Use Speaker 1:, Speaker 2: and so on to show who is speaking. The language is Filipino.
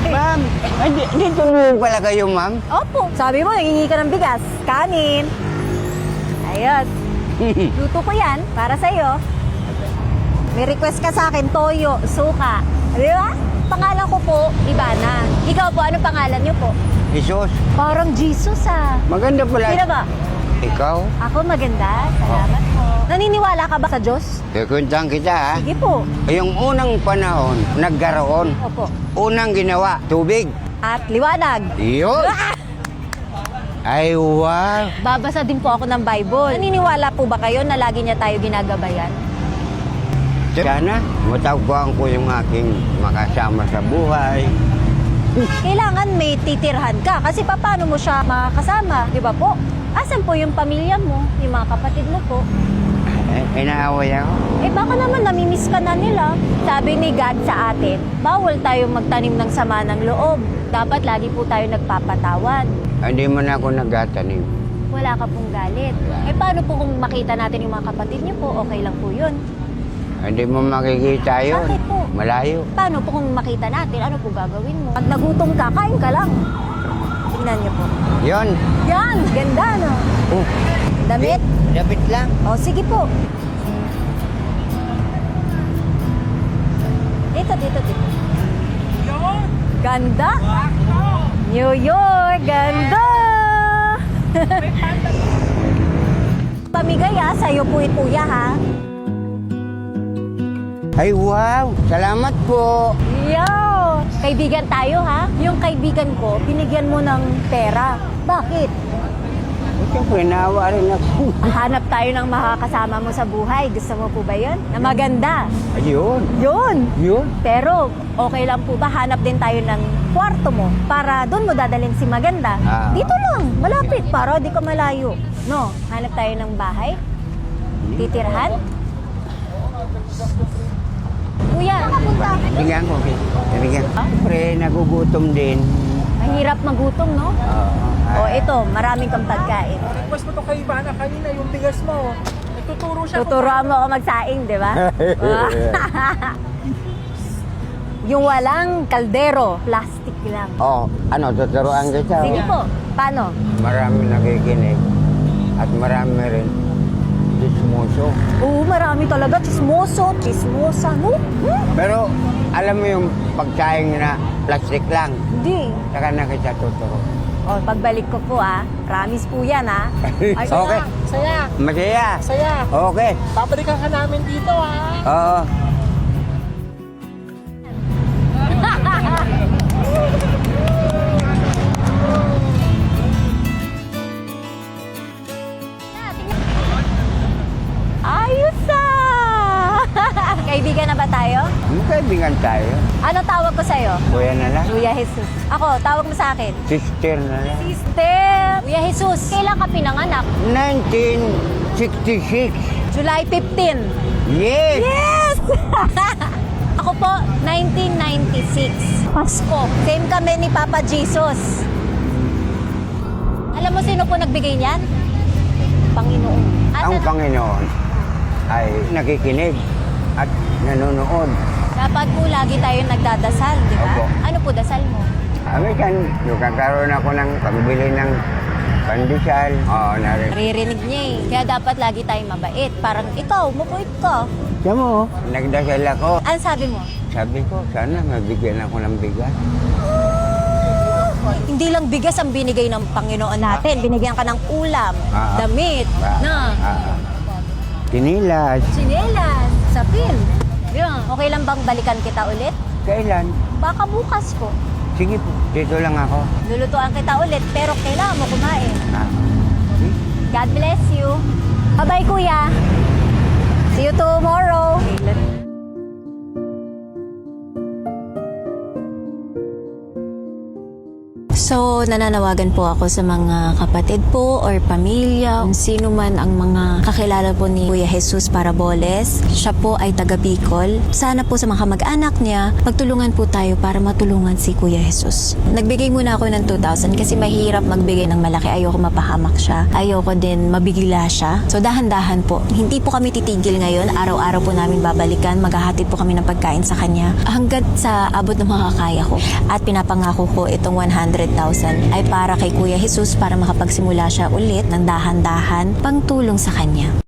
Speaker 1: Ma'am, dito mo pala kayo, ma'am?
Speaker 2: Opo. Sabi mo, nangingi ka ng bigas. Kanin. Ayos. Luto ko yan para sa'yo. May request ka sa akin, toyo, suka. Di ba? Pangalan ko po, Ivana. Ikaw po, ano pangalan niyo po?
Speaker 1: Jesus,
Speaker 2: Parang Jesus ah.
Speaker 1: maganda pala.
Speaker 2: Sino ba?
Speaker 1: Ikaw?
Speaker 2: Ako maganda. Salamat po. Naniniwala ka ba sa Diyos?
Speaker 1: Kukuntahan kita, ha?
Speaker 2: Sige po.
Speaker 1: Yung unang panahon, nagkaroon.
Speaker 2: Opo.
Speaker 1: Unang ginawa, tubig.
Speaker 2: At liwanag.
Speaker 1: Yun. Ay, wow.
Speaker 2: Babasa din po ako ng Bible. Naniniwala po ba kayo na lagi niya tayo ginagabayan?
Speaker 1: Sana, matagpuan ko yung aking makasama sa buhay.
Speaker 2: Kailangan may titirhan ka kasi paano mo siya makakasama, di ba po? Asan po yung pamilya mo, yung mga kapatid mo po?
Speaker 1: Inaaway ako.
Speaker 2: Eh baka naman namimiss ka na nila. Sabi ni God sa atin, bawal tayong magtanim ng sama ng loob. Dapat lagi po tayo nagpapatawad.
Speaker 1: Hindi mo na ako nagtatanim.
Speaker 2: Wala ka pong galit. Eh paano po kung makita natin yung mga kapatid niyo po, okay lang po yun.
Speaker 1: Hindi mo makikita yun.
Speaker 2: Bakit po?
Speaker 1: Malayo.
Speaker 2: Paano po kung makita natin, ano po gagawin mo? Pag nagutom ka, kain ka lang. Tingnan niyo po.
Speaker 1: Yun.
Speaker 2: Yan, ganda no?
Speaker 1: Oh,
Speaker 2: Damit?
Speaker 1: Dapat lang.
Speaker 2: O, sige po. Dito. Ganda. New York, ganda. Pamigay sa'yo po ito ha.
Speaker 1: Ay, wow. Salamat po.
Speaker 2: Yo! Kaibigan tayo ha. Yung kaibigan ko, binigyan mo ng pera. Bakit?
Speaker 1: Siyempre, naawa rin ako.
Speaker 2: Hanap tayo ng makakasama mo sa buhay. Gusto mo po ba yun? Na maganda.
Speaker 1: Ayun.
Speaker 2: Yun. Pero, okay lang po ba? Hanap din tayo ng kwarto mo para doon mo dadalhin si maganda. Dito lang, malapit para di ka malayo. No, hanap tayo ng bahay. Titirhan. Kuya, nakapunta.
Speaker 1: Bigyan ko. Bigyan. Siyempre, nagugutom din.
Speaker 2: Mahirap magutom, no? O ito, maraming kang pagkain.
Speaker 3: Request mo to kay Ivana kanina, yung bigas mo. Nagtuturo siya.
Speaker 2: Tuturuan mo ako magsaing, di ba? Yung walang kaldero, plastic lang.
Speaker 1: Ano, tuturuan kita.
Speaker 2: Sige po, paano?
Speaker 1: Marami nakikinig. At marami rin dismuso.
Speaker 2: Oo, marami talaga. Chismoso, chismosa, no?
Speaker 1: Pero, alam mo yung pagsaing na plastic lang.
Speaker 2: Hindi.
Speaker 1: Saka na kita tuturo.
Speaker 2: O, pagbalik ko po promise po yan Ay,
Speaker 1: Okay.
Speaker 3: Saya.
Speaker 1: Masaya.
Speaker 3: Saya.
Speaker 1: Okay.
Speaker 3: Babalikan ka namin dito ha.
Speaker 1: Oo.
Speaker 2: Ayos Kaibigan na ba tayo?
Speaker 1: Kaibigan tayo.
Speaker 2: Ano tawag ko sa'yo?
Speaker 1: Kuya na lang.
Speaker 2: Kuya Jesus. Ako, tawag mo sa akin.
Speaker 1: Sister na lang.
Speaker 2: Sister! Kuya Jesus, kailan ka pinanganak?
Speaker 1: 1966.
Speaker 2: July 15.
Speaker 1: Yes!
Speaker 2: Yes! Ako po, 1996. Pasko. Same kami ni Papa Jesus. Alam mo sino po nagbigay niyan? Panginoon.
Speaker 1: Ang Panginoon ay nakikinig at nanonood.
Speaker 2: Dapat po lagi tayong nagdadasal, di ba?
Speaker 1: Opo.
Speaker 2: Ano po dasal mo?
Speaker 1: Amikan, nagkakaroon ako ng pambili ng pandesal. Oo, narin.
Speaker 2: Naririnig niya eh. Kaya dapat lagi tayong mabait. Parang ikaw, mabait ka.
Speaker 1: Siya mo, nagdasal ako.
Speaker 2: Ano sabi mo?
Speaker 1: Sabi ko, sana mabigyan ako ng bigas.
Speaker 2: Hindi lang bigas ang binigay ng Panginoon natin. Binigyan ka ng ulam, damit,
Speaker 1: Tinilas.
Speaker 2: tsinelas, sapin. Yun. Okay lang bang balikan kita ulit?
Speaker 1: Kailan?
Speaker 2: Baka bukas po.
Speaker 1: Sige po, dito lang ako.
Speaker 2: Lulutuan kita ulit, pero kailangan mo kumain. God bless you. Bye-bye, kuya. See you tomorrow.
Speaker 4: So, nananawagan po ako sa mga kapatid po or pamilya, kung sino man ang mga kakilala po ni Kuya Jesus Paraboles. Siya po ay taga Bicol. Sana po sa mga kamag-anak niya, magtulungan po tayo para matulungan si Kuya Jesus. Nagbigay muna ako ng 2,000 kasi mahirap magbigay ng malaki. Ayoko mapahamak siya. Ayoko din mabigila siya. So, dahan-dahan po. Hindi po kami titigil ngayon. Araw-araw po namin babalikan. Maghahatid po kami ng pagkain sa kanya hanggat sa abot ng makakaya ko. At pinapangako ko itong 100,000 ay para kay Kuya Jesus para makapagsimula siya ulit ng dahan-dahan pangtulong sa kanya.